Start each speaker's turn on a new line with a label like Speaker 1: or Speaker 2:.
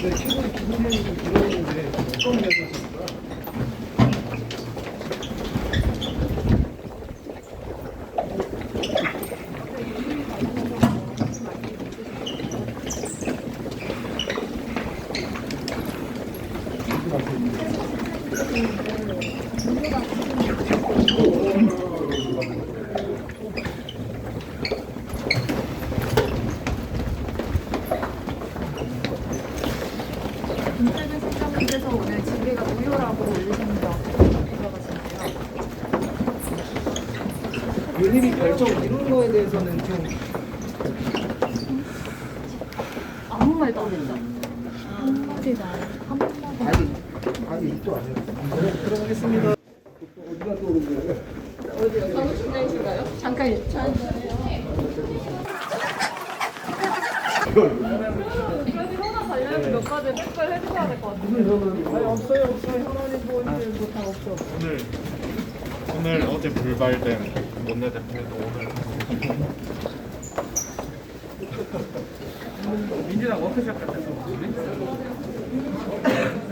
Speaker 1: 최고의 기본적인 들어오는데 어떤 면에서
Speaker 2: 김태균 실장님께서 오늘 징계가 무효라고 올리셨는데 어떻게 생각하시나요?
Speaker 1: 유님이 결정 이런 거에 대해서는 좀
Speaker 2: 아무 말도 안 했죠? 한마디도 안 했죠?
Speaker 1: 아니 입도 안 해요. 들어가겠습니다. 어디가 또 오는 거예요?
Speaker 2: 어디요? 사무실장이신가요? 잠깐 코로나 관련해서 몇 가지 댓글 해주셔야 될 것 같아요.
Speaker 1: 아니 없어요. 현안이 뭐다 없어.
Speaker 3: 오늘 어제 불발된 원내대표도 오늘
Speaker 1: 민주당 워크숍 같은 거.